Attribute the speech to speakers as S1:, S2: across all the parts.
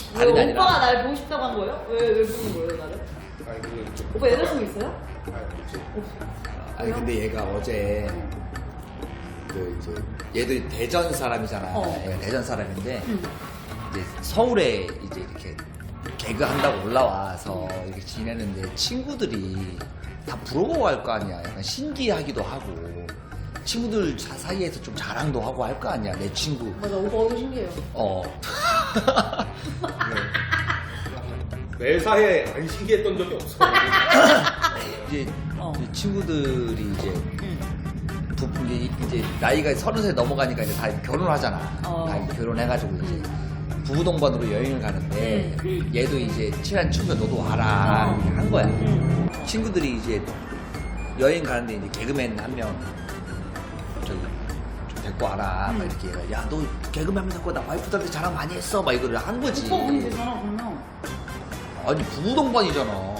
S1: 다른 게
S2: 오빠가
S1: 아니라.
S2: 날 보고 싶다고 한 거예요? 왜 보는 거예요, 나를?
S3: 아니 그게
S2: 오빠 여자친구 있어요?
S3: 아니 없지.
S1: 아니 근데 얘가 어제 그 이제 얘도 대전 사람이잖아. 얘가 대전 사람인데 이제 서울에 이제 이렇게 개그 한다고 올라와서 이렇게 지내는데 친구들이 다 부러워할 거 아니야. 약간 신기하기도 하고 친구들 사이에서 좀 자랑도 하고 할 거 아니야. 내 친구.
S2: 맞아, 오빠 얼굴 신기해요.
S3: 매사에 안 신기했던 적이 없어.
S1: 이제 친구들이 이제 나이가 30살 넘어가니까 이제 다 결혼하잖아. 다 이제 결혼해가지고 이제 부부 동반으로 여행을 가는데 얘도 이제 친한 친구가 너도 와라 이렇게 한 거야. 친구들이 이제 여행 가는데 이제 개그맨 한 명 저기 좀 데리고 와라 막 이렇게 얘가 야 너 개그맨 하면 자꾸 나 와이프들한테 자랑 많이 했어 막 이거를 한 거지.
S2: 오빠 분이 되잖아, 그러면.
S1: 아니 부부 동반이잖아.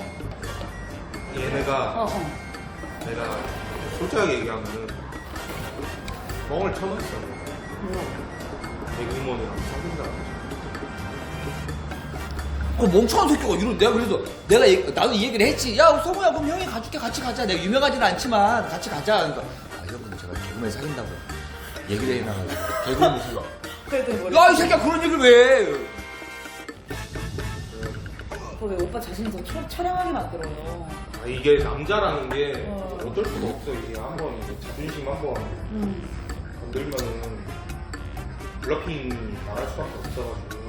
S3: 얘네가 내가 솔직하게 얘기하면은 멍을 쳐놨어. 개그우먼이랑 사귄다고.
S1: 그 멍청한 새끼가 이런 내가 그래서 나도 이 얘기를 했지. 야 성우야 그럼 형이 가줄게 같이 가자. 내가 유명하지는 않지만 같이 가자. 그러니까 형님 제가 개그맨 사귄다고 얘기를 해놔가지고 개그맨 무슨
S2: 그래도
S1: 야이 새끼야 그런 얘기를 왜?
S2: 왜 오빠 자신이 더 처량하게 만들어요?
S3: 아, 이게 남자라는 게 어쩔 수가 없어. 이게 한번 이제 자존심 한번 건들면은 블러핑 나갈 수밖에 없어가지고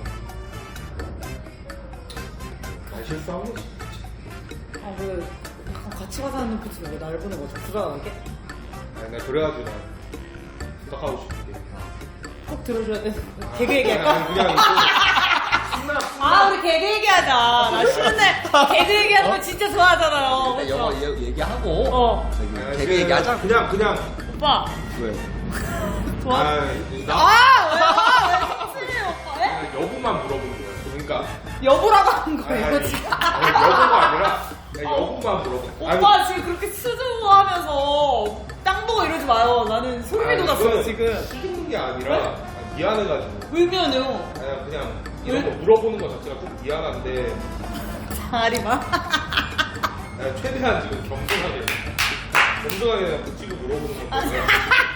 S3: 날 실수한 거지.
S2: 아, 왜 같이 가자는 눈빛으로 왜 나를 보는 거죠? 불안하게?
S3: 아니 내가 그래가지고 난 부탁하고 싶은 게
S2: 꼭 들어줘야 돼. 개그 얘기할까?
S3: 아니, 그냥 이거
S2: 아, 우리 개그 얘기하자. 나 쉬는 날 개그 얘기하는 거 진짜 좋아하잖아요.
S1: 일단 영어
S2: 그쵸?
S1: 얘기하고
S3: 아니,
S1: 개그 얘기하자.
S3: 그냥
S2: 오빠,
S1: 왜?
S2: 좋아?
S3: 나
S2: 아, 왜요? 왜 심해요, 오빠? 왜?
S3: 여부만 물어보는 거야. 그러니까
S2: 여보라고 한
S3: 아니,
S2: 거예요, 지금.
S3: 아니, 여부가 아니라 그냥 여부만 물어봐.
S2: 오빠 지금 그렇게 수줍어하면서 땅 보고 이러지 마요. 나는 소름이 돋았어요, 지금.
S3: 수줍는 게 아니라 미안해가지고.
S2: 울면요.
S3: 아니, 그냥 이런 거 물어보는 거 자체가 좀 미안한데
S2: 자리마.
S3: 아니, 최대한 지금 겸손하게 그냥 붙이고 물어보는 거 때문에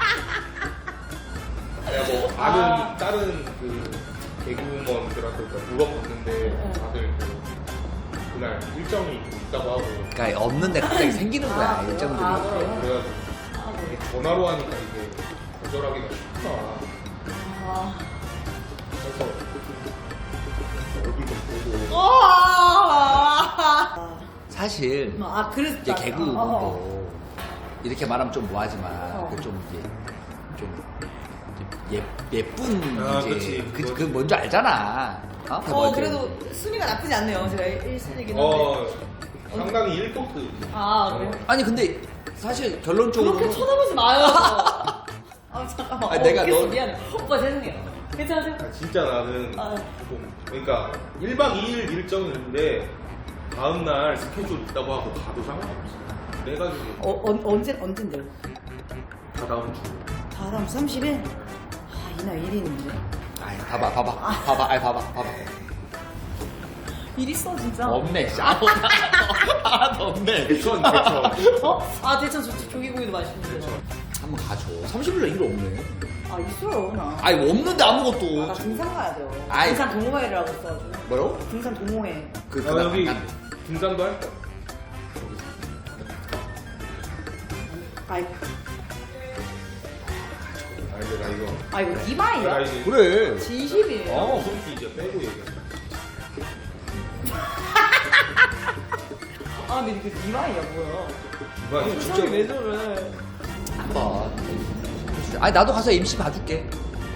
S3: 내가 뭐 아는 다른 그 개그우먼들한테 물어봤는데 다들 그날 일정이 있다고 하고
S1: 그러니까 없는데 갑자기 생기는 거야
S2: 아,
S1: 일정들이.
S2: 아, 그래요?
S3: 그래가지고 이게 전화로 하니까 이게 거절하기가 쉽다.
S2: 아.
S3: 그래서 얼굴 좀 보고
S1: 사실
S2: 아, 그랬다.
S1: 이제 개그도 이렇게 말하면 좀 뭐하지만 그 좀 이제 좀 예쁜
S3: 아,
S1: 이제
S3: 그치.
S1: 그 뭔지 알잖아.
S2: 그래도 순위가 나쁘지 않네요. 제가 1순위긴 한데.
S3: 상당히 1포트.
S2: 아, 그래요?
S1: 아니 근데 사실 결론적으로
S2: 그렇게 쳐다보지 마요. 아, 잠깐만.
S1: 아니, 내가
S2: 웃겼어.
S1: 너-
S2: 미안해. 오빠 죄송해요. 괜찮으세요?
S3: 진짜 나는
S2: 아.
S3: 좀 그러니까 1박 2일 일정인데 다음날 스케줄 있다고 하고 가도 상관없어. 그래가지고
S2: 언젠데요?
S3: 다 다음 주.
S2: 다음 30일? 아, 이날 일이 있는데.
S1: 아이 봐봐 아이 봐봐
S2: 일 있어, 진짜.
S1: 없네 하나도 없네.
S3: 대천.
S2: 어? 아, 대천 조기고기도 맛있는데.
S1: 한번 가줘. 30일날 일 없네.
S2: 아, 있어요, 나.
S1: 아니 없는데 아무것도.
S2: 아, 나 등산 가야죠.
S1: 아이.
S2: 등산 동호회라고 있어가지고.
S1: 뭐라고?
S2: 등산 동호회.
S1: 그날
S3: 여기
S1: 안 간대.
S3: 등산도 할 거야.
S2: 아이,
S3: 근데 나 이거
S2: 이거
S3: 나
S2: 이마이야?
S3: 이제
S1: 그래.
S2: 진심이에요?
S3: 무슨 이제 빼고 얘기해.
S2: 아, 근데 이게 이마이야, 뭐야.
S3: 이봐
S2: 진짜 왜 저래?
S1: 한번. 아니 나도 가서 MC 봐줄게.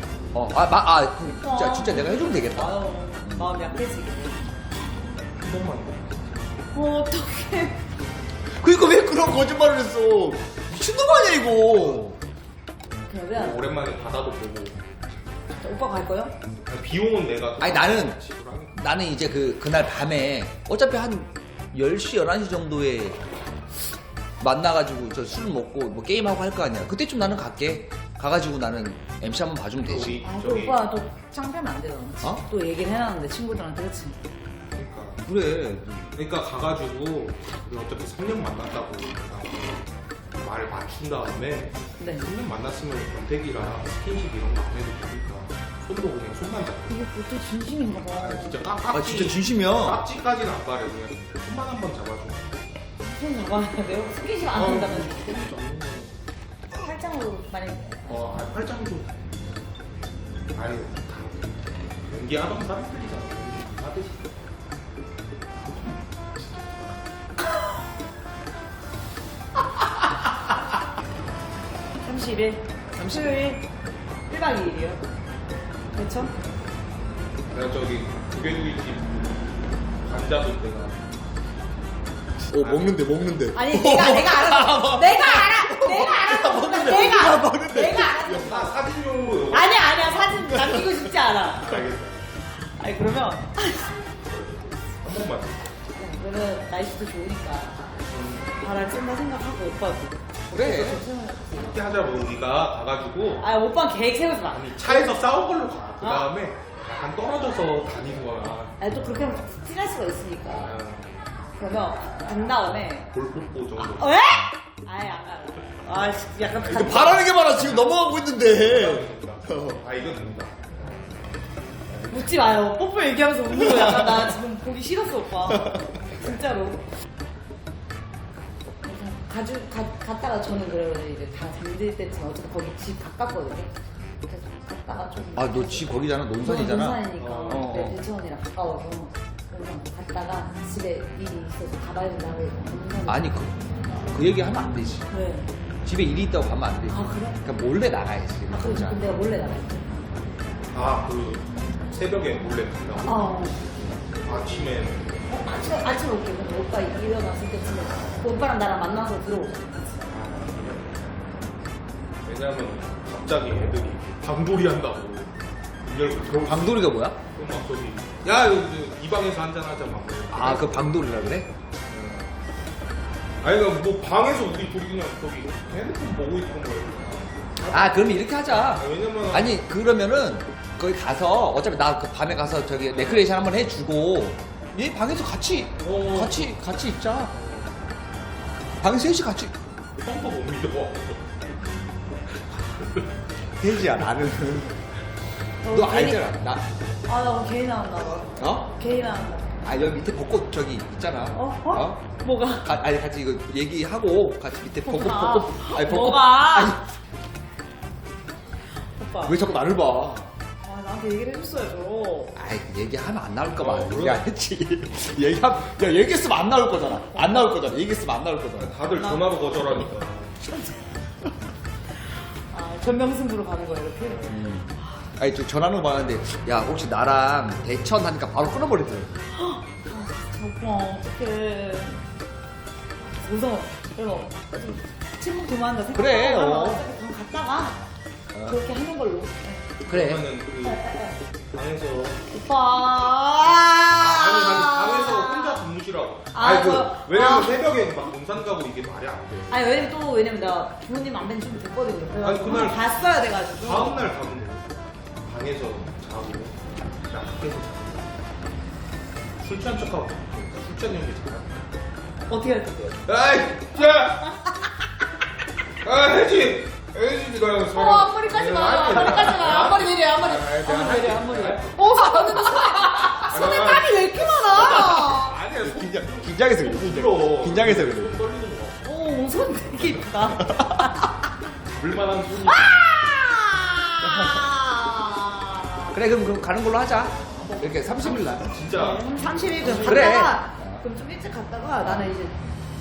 S1: 진짜 내가 해주면 되겠다.
S2: 아유, 마음 약해지게.
S3: 한 번만 더.
S2: 어떡해.
S1: 그러니까 왜 그런 거짓말을 했어? 미친놈 아니야 이거.
S2: 그냥 왜 안 해?
S3: 오랜만에 바다도 보고.
S2: 오빠 갈 거요?
S3: 비용은 내가
S1: 아니 나는
S3: 지불하니까.
S1: 나는 이제 그날 밤에 어차피 한 10시 11시 정도에 만나가지고 저 술 먹고 뭐 게임하고 할 거 아니야. 그때쯤 나는 갈게. 가가지고 나는 MC 한번 봐주면 되지.
S3: 우리
S2: 아, 또
S3: 저기
S2: 오빠 또 창피하면 안 되잖아.
S1: 어?
S2: 또 얘기를 해놨는데 친구들한테 그치?
S3: 그러니까
S1: 그래.
S3: 그러니까 가가지고 우리 어차피 3년 만났다고 말을 맞춘 다음에
S2: 네.
S3: 3년 만났으면 권태기랑 스킨십 이런 거 안 해도 되니까 손도 그냥 손만 잡고
S2: 이게 보통 진심인가 봐.
S3: 아 진짜
S1: 아 진짜 진심이야.
S3: 깍지까지는 안 바래 그냥 손만 한번 잡아줘
S2: 손 잡아야 돼요? 스킨십 안 한다면
S3: 어,
S2: 팔짱으로 만약에
S3: 팔짱도 아유 다 연기하던 사람들이잖아 하듯이
S2: 30일? 30일? 1박 2일이요? 그쵸?
S3: 내가 저기 조개구이집 간자도 내가
S1: 먹는데.
S2: 아니 내가 알았어. 내가 알았어.
S1: 먹는데.
S2: 내가 알았어.
S3: 나 사진용으로
S2: 아니야 사진 남기고 싶지 않아.
S3: 알겠어
S2: 아니 그러면
S3: 한 번만
S2: 그러면 날씨도 좋으니까 바람 쐰다 생각하고 오빠도.
S1: 그래.
S3: 이렇게 하자고 우리가 가가지고
S2: 아 오빠는 계획 세우지 마.
S3: 아니 차에서 싸운 걸로 가. 그 다음에 약간 떨어져서 다니는 거야.
S2: 아니 또 그렇게 하면 티날 수가 있으니까.
S3: 아,
S2: 그러면 간 다음에
S3: 볼뽀뽀 정도.
S2: 왜? 아예 안 가. 아 약간
S1: 이거 바라는 게 많아. 지금 넘어가고 있는데.
S3: 아 이건 됩니다.
S2: 묻지 마요. 뽀뽀 얘기하면서 웃는 거 약간 나 지금 보기 싫었어 오빠. 진짜로. 갔다가 저는 그래가지고 이제 다 잠들 때쯤 어차피 거기 집 가깝거든요. 그래서 갔다가 좀.
S1: 아 너 집 거기잖아. 논산이잖아.
S2: 논산이니까
S1: 어.
S2: 대천이랑 가까워서 그래서 갔다가 집에 일이 있어서 가봐야 된다고 해서 논산에.
S1: 아니 그 얘기 하면 안 되지.
S2: 왜?
S1: 집에 일이 있다고 가면 안 되지.
S2: 아, 그래?
S1: 그러니까 몰래 나가야지.
S2: 아 그래서
S1: 진짜.
S2: 근데 내가 몰래 나갔지.
S3: 아그 새벽에 몰래 간다고. 아침에는
S2: 아침에 올게. 근데 오빠 일어났을 때쯤에 그 오빠랑 나랑 만나서 들어오자.
S3: 왜냐면 갑자기 애들이 방돌이 한다고 문 열고 들어오고
S1: 방돌이가 뭐야?
S3: 막 저기 야 여기 이 방에서 한잔 하자 막.
S1: 아 그 방돌이라 그래?
S3: 아니 뭐 방에서 우리 둘이 그냥 저기 핸드폰 보고 있던 거예요.
S1: 아 그럼 이렇게 하자.
S3: 왜냐면
S1: 아니 그러면은 거기 가서 어차피 나 그 밤에 가서 저기 레크레이션 한번 해주고 얘 방에서 같이 있자. 방에 셋이 같이.
S3: 형도 못 믿어.
S1: 셋이야 나는. 너 알잖아 나.
S2: 아나 개인 나온다.
S1: 어?
S2: 개인 나온다.
S1: 아 여기 밑에 벚꽃 저기 있잖아.
S2: 어? 뭐가?
S1: 아니 같이 이거 얘기하고 같이 밑에 벚꽃
S2: 뭐가?
S1: 벚꽃. 아니 벚꽃.
S2: 뭐가?
S1: 아니
S2: 오빠.
S1: 왜 자꾸 나를 봐?
S2: 아 나한테 얘기를 해줬어야죠.
S1: 아이 얘기하면 안 나올까 봐
S3: 그래?
S1: 얘기 안 했지. 얘기했으면 안 나올 거잖아. 안 나올 거잖아. 얘기했으면 안 나올 거잖아.
S3: 다들 전화로 거절하니까.
S2: 아 전명승부로 가는 거야 이렇게.
S1: 아니 저 전화로 받았는데 야 혹시 나랑 대천 하니까 바로 끊어버리더라고.
S2: 오빠 어떡해. 무서워. 그래서 좀 침묵 도망한다 생각하고
S1: 그래,
S2: 그럼 갔다가 그렇게 하는 걸로.
S1: 그래.
S3: 그러면은 그 방에서
S2: 오빠.
S3: 아니 방에서 혼자 주무시라고.
S2: 아,
S3: 아니 그
S2: 저-
S3: 왜냐면
S2: 아.
S3: 새벽에 막 논산 가고 이게 말이 안 돼.
S2: 아니 왜냐면 나 부모님 안 뵌지 좀 됐거든요. 그래서
S3: 아니, 그날
S2: 봤어야 돼가지고.
S3: 다음 날 가면 돼. 방에서 자고 나 밖에서 자고 술 취한 척하고 술 취한 연기 잘하.
S2: 어떻게 할 건데요?
S3: 아이 야. 아 해지. 해지 가
S2: 앞머리까지 마. 앞머리까지 마. 앞머리 내려. 앞머리 내려. 앞머리. 손에 땀이 왜 이렇게 많아?
S3: 아니야
S1: 긴장해서 그래.
S3: 부끄러워.
S1: 긴장해서 그래.
S3: 손 떨리는 거.
S2: 오, 손 되게 이쁘다.
S3: 물만한 손이.
S1: 그래 그럼 가는 걸로 하자. 이렇게 30일 날.
S3: 진짜
S2: 30일 그럼
S1: 그래.
S2: 갔다가 그럼 좀 일찍 갔다가 나는 이제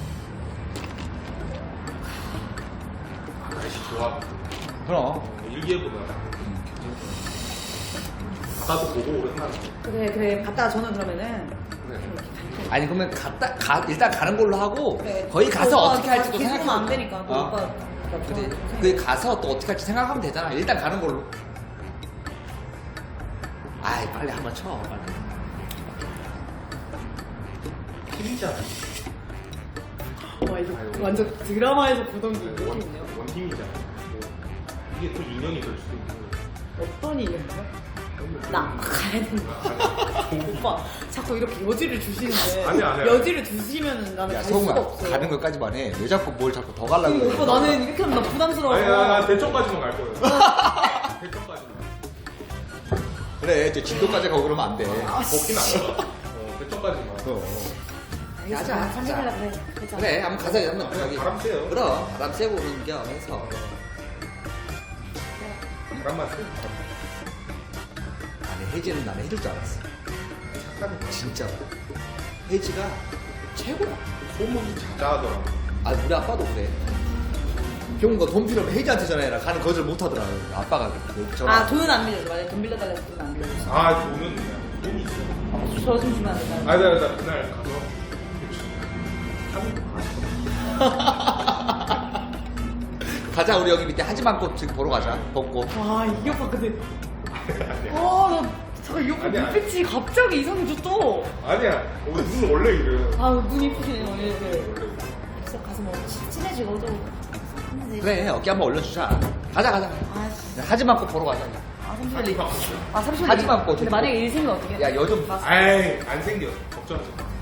S3: 날씨 좋아.
S1: 그럼.
S3: 일기예보다 바다도 보고 오랜만에.
S2: 그래 갔다가 저는 그러면은
S1: 아니 그러면 일단 가는 걸로 하고
S2: 그래.
S1: 거기 가서
S2: 오빠
S1: 어떻게 할지도
S2: 계속
S1: 생각해.
S2: 안 되니까 그 오빠
S1: 근데 거기 가서 또 어떻게 할지 생각하면 되잖아. 일단 가는 걸로. 아이 빨리 한번 쳐. 빨리.
S3: 팀이잖아.
S2: 와 이거 완전 드라마에서 보던 그 느낌이네요.
S3: 원팀이잖아. 이게 또 인연이 될 수도 있는 거예요.
S2: 어떤 일인가요? 나 가야 된다. 오빠 자꾸 이렇게 여지를 주시는데
S3: 아니야.
S2: 여지를 두시면은 나는
S1: 야
S2: 갈 수가
S1: 성우야
S2: 없어요.
S1: 가는 것까지만 해. 왜 자꾸 뭘 자꾸 더 가려고 해.
S2: 오빠 나는 이렇게 하면 나 부담스러워서.
S3: 아니, 나 대청까지만 갈 거예요. 대청까지만.
S1: 그래 이제 진도까지 가고 그러면 안 돼.
S3: 걷긴 안 가. 대청까지만.
S2: 가자.
S1: 가자.
S2: 산책하려 그래. 가자.
S1: 그래 한번 가자 한번
S3: 그냥
S1: 저기
S3: 바람 쐬요.
S1: 그럼 바람 쐬고 오는 겸 해서
S3: 바람만 쐬.
S1: 아니 혜지는 나는 해줄 줄 알았어.
S3: 착한 거.
S1: 진짜 혜지가 최고야.
S3: 소문이 자자하더라.
S1: 아 우리 아빠도 그래. 병원 돈 필요하면 혜지한테 전화해라. 가는 거절 못 하더라. 아빠가 전화.
S2: 아 돈은 안 빌려줘. 만약에 돈 빌려달라고 돈은 안 빌려줘.
S3: 아, 돈은 돈이 있어.
S2: 저 좀 주면 안 된다.
S3: 아니, 나 그날 가서
S1: 가자 우리 여기 밑에 하지만꽃 지금 보러 가자. 벚꽃.
S2: 와, 이 오빠 근데. 와, 나 잠깐 이 오빠
S3: 아니야.
S2: 눈빛이 갑자기 이상해져 또.
S3: 아니야. 우리 눈 원래 이래요.
S2: 아, 눈 이쁘시네요, 이렇게.
S3: 원래 이래.
S2: 그래서 가서 뭐 친해지고도.
S1: 그래 어깨 한번 올려주자. 가자.
S2: 아, 씨.
S1: 하지만꽃 보러 가자.
S2: 아, 잠시만요. 아, 잠시만요.
S1: 하지만 뭐
S2: 근데 만약에 일 생기면 어떡해?
S1: 야 요즘
S3: 아이, 안 생겨. 걱정하지 마.